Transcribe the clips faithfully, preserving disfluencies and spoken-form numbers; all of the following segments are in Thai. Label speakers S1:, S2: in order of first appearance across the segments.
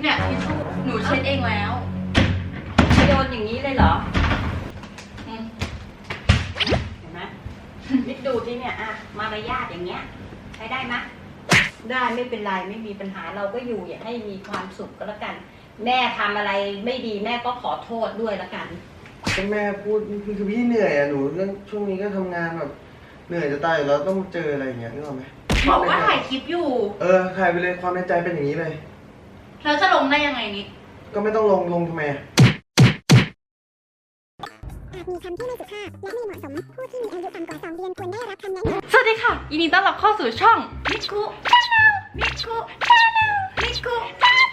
S1: เนี่ยทิชชู่หนูเช็ดเองแล้วโยนอย่างนี้เลยเหรอเห็นไหมนิดดูที่เนี่ยอะมารยาทอย่างเงี้ยใช้ได้ไหมได้ไม่เป็นไรไม่มีปัญหาเราก็อยู่อย่าให้มีความสุขก็แล้วกันแม่ทำอะไรไม่ดีแม่ก็ขอโทษด้วยแล้วกัน
S2: ก็แม่พูดคือคือพี่เหนื่อยอะหนูเรื่องช่วงนี้ก็ทำงานแบบเหนื่อยจะตายแล้วต้องเจออะไรอย่างเงี้ยนึกออกไหม
S1: บอกว่าถ่ายคลิปอยู่
S2: เออถ่ายไปเลยความในใจเป็นอย่างนี้เลย
S1: แล้วจะลงได้ยังไงนิด
S2: ก็ไม่ต้องลงลงทำไม
S3: มีคำที่ไม่สุภาพและไม่เหมาะสมผู้ที่มีอายุต่ำกว่าสองเดือนควรได้รับคำแนะนำ
S1: สวัสดีค่ะยินดีต้อนรับเข้าสู่ช่องนิคุชาแนลนิคุชาแนลนิคุชาแน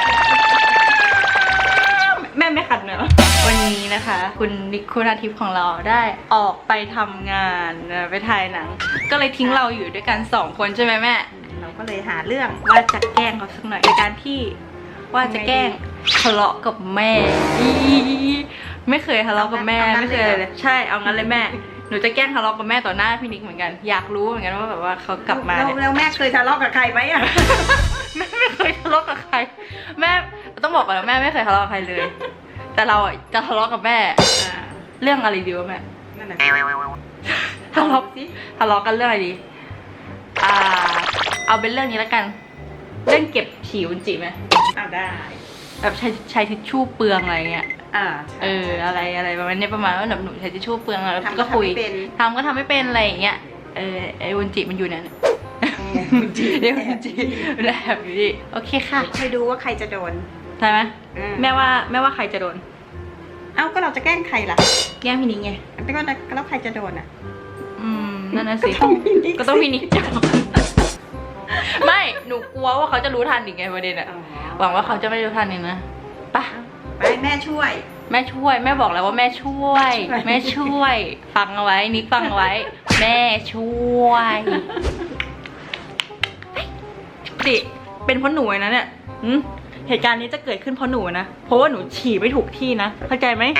S1: ลแม่ไม่ขัดเนอะวันนี้นะคะคุณนิคุนาทิพย์ของเราได้ออกไปทำงานไปถ่ายหนังก็เลยทิ้งเราอยู่ด้วยกันสองคนใช่ไหมแม่เราก็เลยหาเรื่องว่าจะแกล้งเขาสักหน่อยในการที่ว่าจะแกล้งทะเลาะกับแม่ไม่เคยทะเลาะกับแม่ไม่เคยเลยใช่เอางั้นเลยแม่หนูจะแกล้งทะเลาะกับแม่ต่อหน้าพี่นิกเหมือนกันอยากรู้เหมือนกันว่าแบบว่าเขากลับมาเนี่ย
S4: แล้วแม่เคยทะเลาะกับใครไหมอ่ะ
S1: แม่ไม่เคยทะเลาะกับใครแม่ต้องบอกก่อนนะแม่ไม่เคยทะเลาะกับใครเลยแต่เราอ่ะจะทะเลาะกับแม่เรื่องอะไรดีวะแม่
S4: นั่นแหละ
S1: ทะเลาะสิทะเลาะกันเรื่องอะไรดีอ่าเอาเป็นเรื่องนี้แล้วกันเรื่องเก็บฉี่อุจจิไหม
S4: อ่าได้
S1: แบบใช้ใช้ทิชชู่เปลืองอะไรเงี้ย
S4: อ่า
S1: เอออะไรอะไรประมาณนี้ประมาณว่าแบบหนูใช้ทิชชู่เปลืองแล้วก็คุยทำก็ทำไม่เป็นอะไรอย่างเงี้ยเออไอ้อุจจิมันอยู่เนี่ยเรียกอุจจิแบบนี้โอเคค่ะ
S4: ไปดูว่าใครจะโดน
S1: ใช่ไหมแม่ว่าแม่ว่าใครจะโดน
S4: เอ้าก็เราจะแกล้งใครล่ะ
S1: แกล้งพี่นิกไง
S4: แล้วก็แล้วใครจะโดนอ่ะ
S1: อืมนั่นน่ะสิก็ต้องพี่นิกจับไม่หนูกลัวว่าเขาจะรู้ทันอีกไงประเด็นอะหวังว่าเขาจะไม่รู้ทันนี่นะปะ
S4: ไปแม่ช่วย
S1: แม่ช่วยแม่บอกแล้วว่าแม่ช่วยแม่ช่วยฟังเอาไว้นิกฟังเอาไว้แม่ช่วยดิเป็นเพราะหนูนะเนี่ยเหตุการณ์นี้จะเกิดขึ้นเพราะหนูนะเพราะว่าหนูฉี่ไม่ถูกที่นะเข้าใจไหม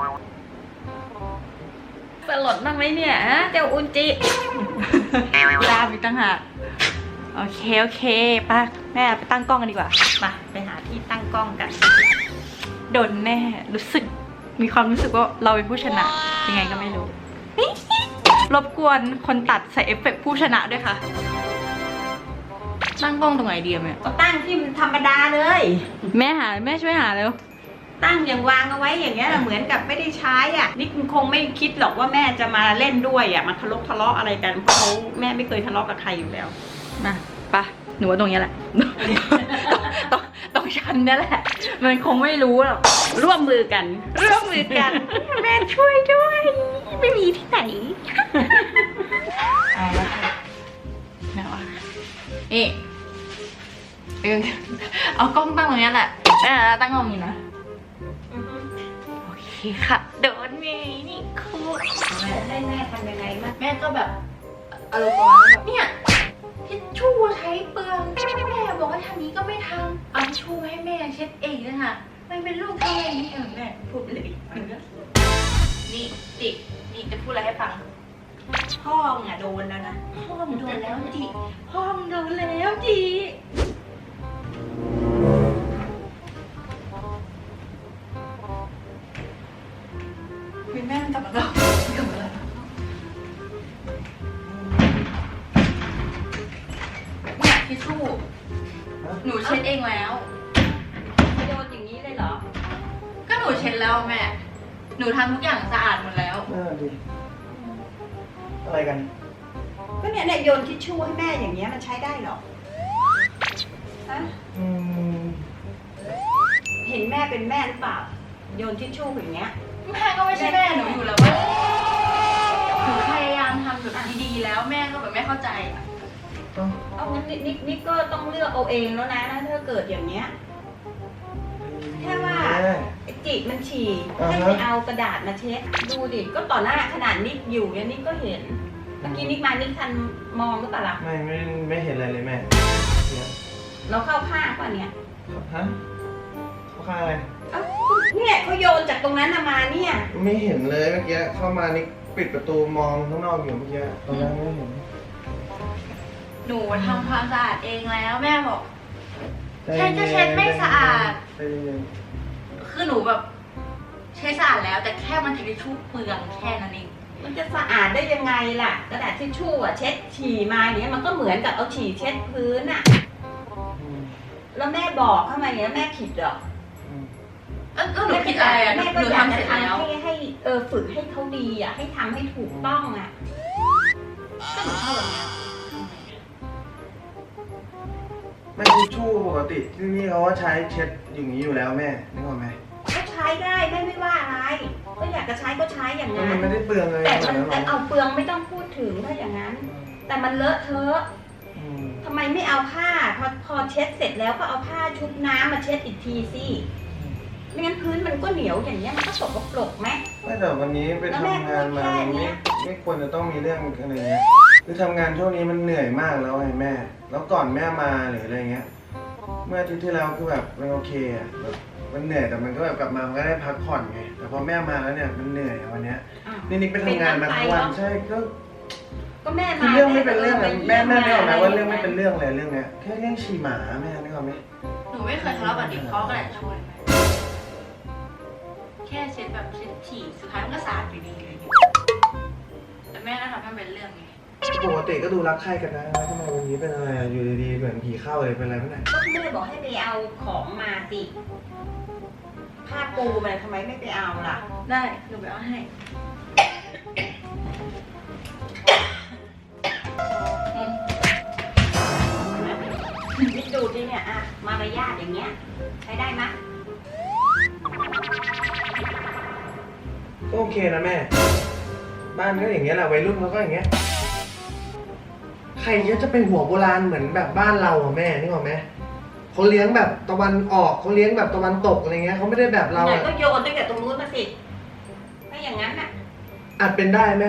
S1: สลดบ้างไหมเนี่ยฮะเจ้าอุนจิลาอีกตั้งหากโอเคโอเคป้าแม่ไปตั้งกล้องกันดีกว่ามาไปหาที่ตั้งกล้องกันโดนแน่รู้สึกมีความรู้สึกว่าเราเป็นผู้ชนะยังไงก็ไม่รู้รบกวนคนตัดใส่เอฟเฟกต์ผู้ชนะด้วยค่ะตั้งกล้องตรงไหนดีแม่
S4: ก็ตั้งที่มันธรรมดาเลย
S1: แม่หาแม่ช่วยหาเร็ว
S4: ตั้งอย่างวางเอาไว้อย่างเงี้ยเหมือนกับไม่ได้ใช้อ่ะนี่คงไม่คิดหรอกว่าแม่จะมาเล่นด้วยอ่ะมาทะเลาะทะเลาะอะไรกันเพราะเขาแม่ไม่เคยทะเลาะกับใครอยู่แล้ว
S1: มาปะหนูว่าตรงนี้แหละตรงตรงชั้นนี่แหละมันคงไม่รู้หรอก
S4: ร่วมมือกัน
S1: ร่วมมือกันแม่ช่วยด้วยไม่มีที่ไหนเอาละค่ะแม่ว่าเอ๊ะเอากล้องตั้งตรงนี้แหละแม่ตั้งกล้องนี้นะโอเคค่ะโดนเมย์นี่คู
S4: ให้แม่ทำยังไงบ้าง
S1: แม่ก็แบบอารมณ์ประมาณแบบเนี่ยทิชชู่ใช้เปลืองแม่บอกว่าทำนี้ก็ไม่ทำเอาทิชชู่มาให้แม่เช็ดเองนะคะมันเป็นลูกทำอะไรนี่เออแม่พูดเลยนี่จินี่จะพูดอะไรให้ฟัง
S4: พ่อมึงอะโดนแล้วนะ
S1: พ่อมึงโดนแล้วจิพ่อมึงโดนแล้วจิคุณแม่กลับมาแล้วกลับมาแล้วทิชชู่หนูเช็ดเองแล้ว
S4: โดนอย่างนี้เลยเหรอ
S1: ก็หนูเช็ดแล้วแม่หนูทำทุกอย่างสะอาดหมดแล้ว
S2: เออดีอะไรกัน
S4: ก็เนี่ยเนี่ยโยนทิชชู่ให้แม่อย่างเงี้ยมันใช้ได้หรอฮะ
S2: อืม
S4: เห็นแม่เป็นแม่หรือเปล่าโยนทิชชู่อย่างเงี้ย
S1: แม่ก็ไม่ใช่แม่หนูอยู่แล้วว่าหนูพยายามทำแบบดีๆแล้วแม่ก็แบบไม่เข้าใจอ่ะ
S4: เอางั้นนิกนิกก็ต้องเลือกเอาเองแล้วนะถ้าเกิดอย่างเงี้ยแค่ว่าไอจิมันฉี่ให้ไปเอากระดาษมาเช็ดดูดิก็ต่อหน้าขนาดนิกอยู่เนี่ยนิกก็เห็นเมื่อกี้นิกมานิกทันมองหรือเปล่าล่ะ
S2: ไม่ไม่ไม่เห็นอะไรเลยแม่
S4: เราเข้าข้างป่ะเนี่ย
S2: ฮะเข้าข้างอะไร
S4: เนี่ยเขาโยนจากตรงนั้นมาเนี่ย
S2: ไม่เห็นเลยเมื่อกี้เข้ามานิกปิดประตูมองข้างนอกอยู่เมื่อกี้ตอนนั้นไม่เห็น
S1: หนูทำความสะอาดเองแล้วแม่บอกแค่จะเช็ดไม่สะอาด
S2: ใจเย็น
S1: คือหนูแบบใช้สะอาดแล้ว แต่แค่มันทิชชู่เปลืองแค่นั้นเอง
S4: มันจะสะอาดได้ยังไงล่ะกระดาษทิชชู่อะเช็ดฉี่มาอย่างเนี้ยมันก็เหมือนกับเอาฉี่เช็ดพื้นอะ
S2: อืม
S4: แล้วแม่บอกเข้ามาอย่างเนี้ยแม่ผิดเหรอ
S2: อืม
S1: เออหนูผิดอะไรอ่ะหนู
S4: แม่
S1: ห
S4: ก็
S1: นู
S4: อยาก
S1: ทำ
S4: จะ
S1: เสร็จแล้ว
S4: ทำให้ให้เออฝึกให้เขาดีอ่ะให้ทำให้ถูกต้องอ่ะ
S1: ก็หนูชอบแบบเนี้ย
S2: ไม่ทิชชู่ปกติที่นี่เขาว่าใช้เช็ดอย่างนี้อยู่แล้วแม่นึกออกไหม
S4: ก็ใช้ได้แม่ไม่ว่าอะไร ก็อยากจะใช้ก็ใช้อย่าง
S2: แล้ว
S4: นั้
S2: มัน
S4: น
S2: ไม่ได้เปลืองเลย
S4: แต่
S2: ข
S4: มัน
S2: นาด
S4: แต่
S2: นั้นหร
S4: เอา
S2: อ
S4: เปลืองไม่ต้องพูดถึงถ้าอย่างนั้น แต่มันเลอะเทอะ
S2: อืม
S4: ทำไมไม่เอาผ้าพอพอเช็ดเสร็จแล้วก็เอาผ้าชุบน้ำมาเช็ดอีกทีสิไม่งั้นพื้นมันก็เหนียวอย่างเงี้ยมันก็สกปรกไหม
S2: ไม่แต่วันนี้ไปทำงานมามันไม่ไม่ควรจะต้องมีเรื่องอะไรเงี้ยคือทำงานช่วงนี้มันเหนื่อยมากแล้วไงแม่ แล้วก่อนแม่มาหรืออะไรเงี้ย เมื่ออาทิตย์ที่แล้วคือแบบมันโอเคอะแบบมันเหนื่อยแต่มันก็แบบกลับมามันก็ได้พักผ่อนไง แต่พอแม่มาแล้วเนี่ยมันเหนื่อยอะวันเนี้ย
S4: อ้าว
S2: นี่นิกไปทำงานมาทั้งวันใช่ก็
S4: ก็แม่
S2: คือ
S4: มา
S2: เรื่องไม่เป็นเรื่องอะแม่แม่ไม่ออกนะว่าเรื่องไม่
S4: ะ
S2: เป็นเรื่องเลยเรื่องเนี้ยแค่เรื่องฉี่หมาแม่นึกออกไหม
S1: หนูไม่เคยทะเลาะกับดิ๊กเขาก็แหละชวนแค่เช็ดแบบเช็ดฉี่สุดท้ายมันก็สะอาดอยู่ดีเลยแต่แม่ก็ทำให้มันเป็นเรื่องไง
S2: ปกติก็ดูรักใครกันนะทำไมวันนี้เป็นอะไรอะอยู่ดีๆเหมือนผีเข้าเลยเป็นอะไรเมื่อไหร่
S4: ก็แม่บอกให้ไปเอาของมาสิผ้าปูมันทำไมไม่ไปเอาล่ะ
S1: ได้หนูไปเอาให้อืม
S4: นี่ดูดิเนี่ยอะมารยาทอย่างเงี้ย ใช้ได้ไหมย
S2: ก็โอเคนะแม่ บ้านก็อย่างเงี้ยแหละวัยรุ่นเขาก็อย่างเงี้ยใครก็จะเป็นหัวโบราณเหมือนแบบบ้านเราอะแม่นึกออกไหมเขาเลี้ยงแบบตะวันออกเขาเลี้ยงแบบตะวันตกอะไรเงี้ยเขาไม่ได้แบบเรา
S4: ไหน
S2: อะ
S4: ก็โยนตั้งแต่ตรงนู้นมาสิถ้าอย่างนั้นน่ะ
S2: อาจเป็นได้แม่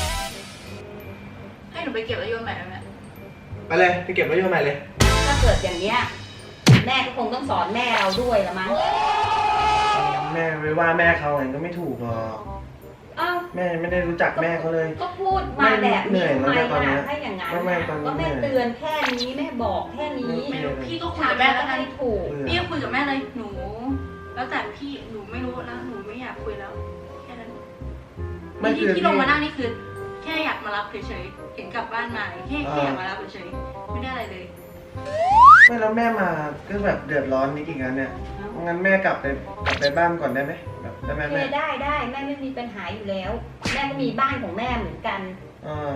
S1: ให้หนูไปเก็บแล้วโยนใหม่ไหมแม่
S2: ไปเลยไปเก็บไว้โยนใหม่เลย
S4: ถ้าเกิดอย่างเนี้ยแม่ก็คงต้องสอนแม่เราด้วยละมั้ง
S2: แม่ไปว่าแม่เขาเองก็ไม่ถูกหรอก
S4: อ้าว
S2: แม่ไม่ได้รู้จักแม่เขาเลย
S4: ก็พูดมาแบบ
S2: เหนื่
S4: นี้
S2: อย
S4: ทำไม
S2: แล้วเนี่ยตอนเนี้
S4: ล่ะ
S2: ย
S4: ถ้าอย่างนั้น
S2: ไม่ไม่
S4: น่ะ
S2: ตอนนี้
S4: ก็แม่
S2: เหนื่อย
S4: เตือนแค่นี้แม่บอกแค่นี้
S1: ไม่รู้พี่ก็คุย
S4: ทำ
S1: กับ
S4: แม่
S1: แม่
S4: ก็
S1: แล้วกั
S4: ให้
S1: น
S4: ถูก
S2: เบื่อ
S1: พี่ก็คุยกับแม่เลยหนู แล้วแต่พี่หนูไม่รู้แล้วหนูไม่อยากคุยแล้วแค่นั้น
S2: ไม่
S1: ที่
S2: คือ
S1: ที่ลงมานั่งนี่คือ แค่อยากมารับเฉยๆเห็นกลับบ้านมาแค่แค่อยากมารับเฉยๆไม่ได้อะไรเลย
S2: ไม่แล้วแม่มาก็แบบเดือดร้อนนิดอีกแล้วเนี่ยงั้นแม่กลับไปกลับไปบ้านก่อนได้ไหมแบบได้ไหม
S4: โอเค
S2: แม่
S4: ได้ได้แม่ไม่มีปัญหาอยู่แล้ว แม่ก็มีบ้านของแม่เหมือนกัน
S2: อ่า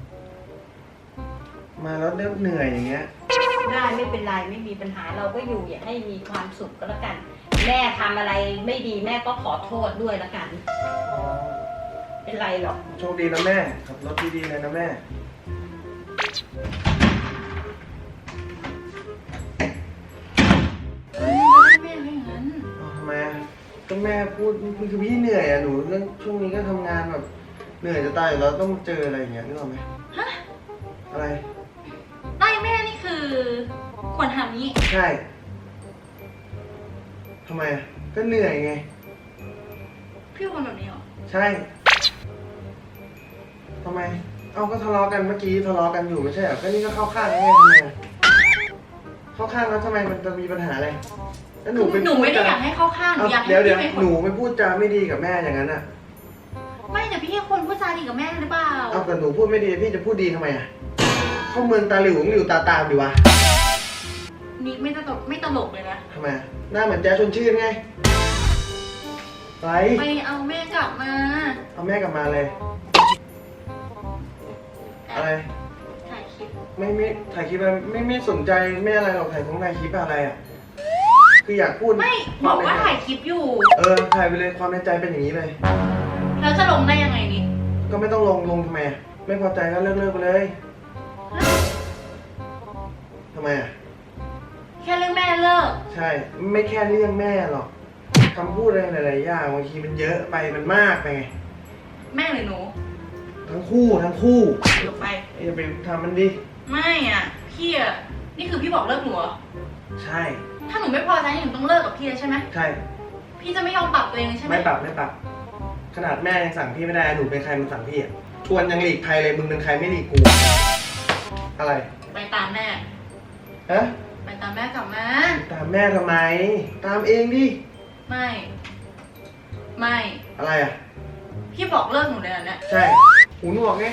S2: มาแล้วเริ่มเหนื่อยอย่างเงี้ย
S4: ได้ไม่เป็นไรไม่มีปัญหาเราก็อยู่อย่าให้มีความสุขก็แล้วกัน แม่ทำอะไรไม่ดีแม่ก็ขอโทษด้วยแล้วกัน เป็นไรหรอก
S2: โชคดีนะแม่ขับรถดีๆเลยนะแม่
S1: ไม่ได้แม่ไม่อย่างนั้น
S2: เอาทำไมอะก็แม่พูดคือพี่เหนื่อยอะหนูเรื่องช่วงนี้ก็ทำงานแบบเหนื่อยจะตายอยู่แล้วต้องเจออะไรอย่างเงี้ยนึกออกไหม
S1: ฮะ
S2: อะไร
S1: ได้แม่นี่คือควรทำนี้
S2: ใช่ทำไมอะก็เหนื่อยไง
S1: พี่คนแบบนี้เหรอ
S2: ใช่ทำไม เอาก็ทะเลาะกันเมื่อกี้ทะเลาะกันอยู่ไม่ใช่เหรอก็นี่ก็เข้าข้างแม่ทำไมอะเข้าข้างแล้วทำไมมันจะมีปัญหาอะไรแล้วหนูไป
S1: หนูไม่ได้
S2: พู
S1: อยากให้เข้าข้างหนู
S2: เอา
S1: อยากให้
S2: เดี๋ยวเดี๋ยว
S1: พี่เป็นค
S2: หนู
S1: น
S2: ไปพูดจาไม่ดีกับแม่อย่างนั้นอะ
S1: ไม่แต่พี่ควรพูดจาดีกับแม่หรือเปล่า
S2: เอาแต่หนูพูดไม่ดีพี่จะพูดดีทำไมอะเข้าเมืองตาหลิวหลิวตาตามดีวะ
S1: นี่ไม่ตลกไม่ตลกเลยนะ
S2: ทำไมอะหน้าเหมือนแจ๊สชวนชื่นไงไป
S1: ไปเอาแม่กลับมา
S2: เอาแม่กลับมาเลย อะไร
S1: ถ่ายคลิป
S2: ไม่ไม่ถ่ายคลิปอะไรไม่ไม่สนใจไม่อะไรหรอกถ่ายของถ่ายคลิปอะไรอะคืออยากพูด
S1: ไม่
S2: ค
S1: บ
S2: ว
S1: อก
S2: ใน
S1: ว่า
S2: ใจ
S1: ถ่ายคลิปอยู่
S2: เออถ่ายไปเลยความในใจเป็นอย่างนี้เลย
S1: แล้วจะลงได้ยังไงนี่
S2: ก็ไม่ต้องลงลงทำไมอะไม่พอใจก็เลิกเลิกไปเลยทำไมอะ
S1: แค่เรื่องแม่เลิก
S2: ใช่ ไม่แค่เรื่องแม่หรอกคำพูดอะไรหลายๆอย่างบางทีมันเยอะไปมันมากไปไง
S1: แม่หรือหนู
S2: ทั้งคู่ทั้งคู่
S1: เดี๋ยวไป
S2: อย่าไปทำมันดิ
S1: ไม่อ่ะ พี่อ่ะ นี่คือพี่บอกเลิกหนูเหรอ
S2: ใช่
S1: ถ้าหนูไม่พอใจหนูต้องเลิกกับพี่แล้วใช่ไหม
S2: ใช่
S1: พี่จะไม่ยอมปรับตัวเองเลยใช่ไหม
S2: ไม่ปรับไม่ปรับ ขนาดแม่ยังสั่งพี่ไม่ได้หนูเป็นใครมันสั่งพี่อ่ะชวนยังหลีกภัยเลยมึงเป็นใครไม่หลีกกูอะไร
S1: ไปตามแม่
S2: ฮะ
S1: ไปตตามแม่กลับมา
S2: ตามแม่ทำไม ตามเองดิ
S1: ไม่ ไม่
S2: อะไรอ่ะ
S1: พี่บอกเลิกหนูเลยเหรอเนี่ย
S2: ใช่ หูหนวกไง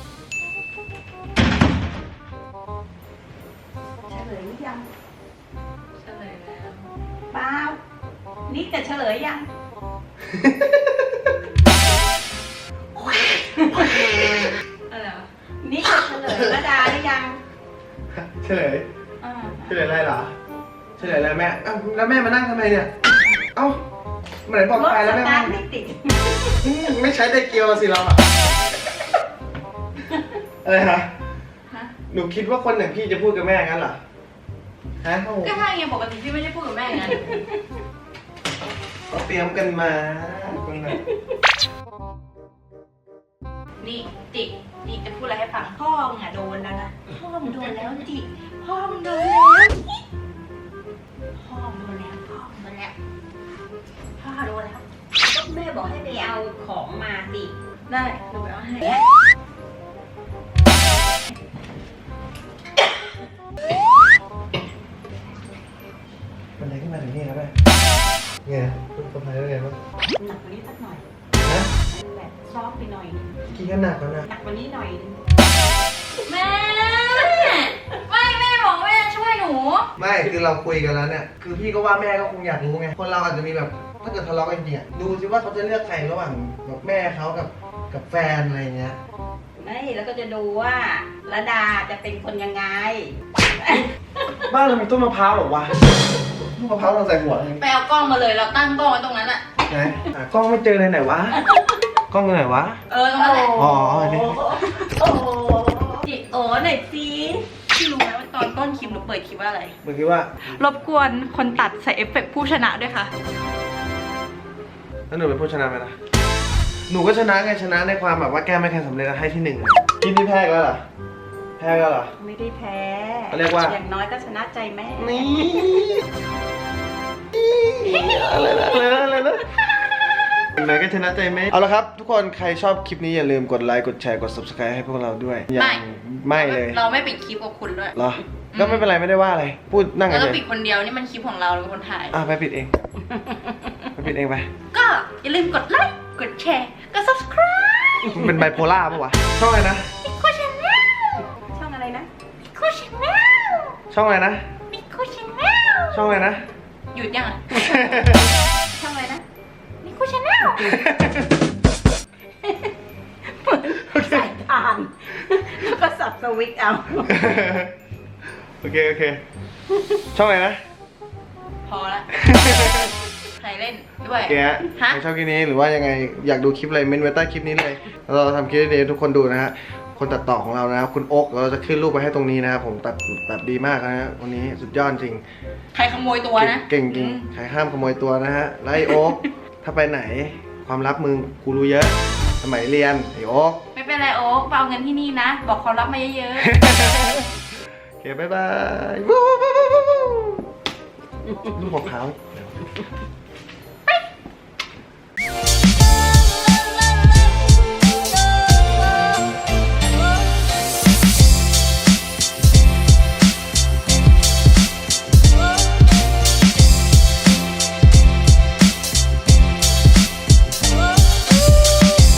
S4: เฉลยหรือยัง
S1: เฉลยแล้ว
S4: เปล่านิกจะเฉลยยัง
S1: อะไรวะ
S4: นิกจะเฉลยระดาหรือยัง
S2: เฉลย
S4: อ่า
S2: เฉลยอะไรเหรอ เฉลยอะไรแม่เอ้าแล้วแม่มานั่งทำไมเนี่ย เอ้าเมื่อไหร่บอก
S4: รถ
S2: ไป
S4: ส
S2: แล้วแม่
S4: ตา
S2: มา
S4: ร์ทไม่ติด
S2: อืมไม่ใช้ไดเกียวสิเราอะอะไรฮะ
S1: ฮะ
S2: หนูคิดว่าคนอย่างพี่จะพูดกับแม่งั้นเหรอ ฮะ
S1: ก็ใช่ไงปกติพี่ไม่ได้พูดกับแม่อย่างนั้น
S2: ก็เตรียมกันมาคนน่ะ
S1: นี่จิกจิกจะพูดอะไรให้ฟังพ่อมึงอะโดนแล้วนะพ่อมึงโดนแล้วจิกพ่อมึงโดนแล้วพ่อมึงโดนแล้วพ่อมึงโดนแล้วพ่อโดนแล้ว
S4: ก็แม่บอกให้ไปเอาของมาสิ
S1: ได้หนูไปเอาให้
S2: มันอะไรขึ้นมาถึงนี่ครับแม่ไงคุณสะพายได้ไงบ้าง
S4: หนักกว่านี้สักหน่อย
S2: ฮะ
S4: แบบซอฟต์ไปหน่อยนึง
S2: กินกันหนักแล้วนะ
S4: หนักกว่านี้หน่อยนึง
S1: แม่ไม่แม่บอกแม่ช่วยหนู
S2: ไม่คือเราคุยกันแล้วเนี่ย คือพี่ก็ว่าแม่ก็คงอยากรู้ไง คนเราอาจจะมีแบบ ถ้าเกิดทะเลาะกันจริงๆอะดูสิว่าเขาจะเลือกใครระหว่างแบบแม่เขากับกับแฟนอะไรเงี้ย
S4: ไม่แล้วก็จะดูว่าระดาจะเป็นคนยังไง
S2: บ้านเรามีต้นมะพร้าวหรอวะต้นมะพร้าวเราใส่หัวเลย
S1: ไปเอากล้องมาเลยเราตั้งกล้องไว้ตรงนั้นอะ
S2: ไหนหากล้องไม่เจอเลยไหนวะ กล้องอยู่ไหนวะ
S1: เออตรงนั้นแหละ
S2: อ๋ออันนี้
S4: โอ้โห
S1: จิกโอ้หน่อยสิพี่รู้ไหมว่าตอนต้นคลิปหนูเปิดคลิปว่าอะไร
S2: เมื่อกี้ว่า
S1: รบกวนคนตัดใส่เอฟเฟกต์ผู้ชนะด้วยค่ะ
S2: แล้วหนูเป็นผู้ชนะไหมล่ะ หนูก็ชนะไงชนะในความแบบว่าแก้ไม่แข่งสำเร็จแล้วให้ที่หนึ่งเลยกินที่แพ้แล้วเหรอ แพ้แล้วเหรอ
S4: ไม่ได้แพ้
S2: เขาเรียกว่า
S4: อย่างน้อยก็ชนะใจแม่
S2: นี่อะไรนะอะไรนะอะไรนะอย่างไรก็ชนะใจไหมเอาละครับ ทุกคนใครชอบคลิปนี้อย่าลืมกดไลค์กดแชร์กด subscribe ให้พวกเราด้วยยัง
S1: ไม่
S2: ไม่เลย
S1: เราไม่ปิดคลิปกับคุณด้วย
S2: เหรอ ก็ไม่เป็นไรไม่ได้ว่าอะไร พูดนั่งกั
S1: แล้
S2: น
S1: ว
S2: เล
S1: ก็
S2: ย
S1: ปิดคนเดียวนี่มันคลิปของเราเราเป็นคนถ่าย
S2: อ่ะไปปิดเองไปปิดเองไป
S1: ก็อย่าลืมกดไลค์กดแชร์กด subscribe
S2: มันเป็นไบโพล่าปะวะช่องอะไรนะ
S1: มิโคชาแนล
S4: ช่องอะไรนะ
S1: มิโคชาแนล
S2: ช่องอะไรนะ
S1: มิโคชาแนล
S2: ช่องอะไรนะ
S1: หยุดยังอ่ะ
S4: ช่องอะไรนะ
S1: มิโคชาแนล
S4: สายทานแล้วก็สับสวิตช์เอา
S2: โอเคโอเค ช่องอะไรนะ
S1: พอละใครเล่นด้วย
S2: แกฮะ
S1: ฮะ
S2: ใครชอบคลิปนี้หรือว่ายังไงอยากดูคลิปอะไรเม้นไว้ใต้คลิปนี้เลยเราทำคลิปนี้ให้ทุกคนดูนะฮะคนตัดต่อของเรานะครับคุณโอ๊กเราจะขึ้นรูปไปให้ตรงนี้นะครับผมตัดตัดดีมากนะฮะวันนี้สุดยอดจริง
S1: ใครขโมยตัวนะ
S2: เก่งจริง
S1: อืม
S2: ใครห้ามขโมยตัวนะฮะแล้วไอโอ๊กถ้าไปไหนความลับมึงกูรู้เยอะ สมัยเรียนไอโอ๊ก
S1: ไม่เป็นไรโอ๊คไปเอาเงินที่นี่นะ บอกความลับมาเยอะ
S2: โอเคบ๊ายบายวู้วู้วู้วู้วู้ลูกมะพร้าว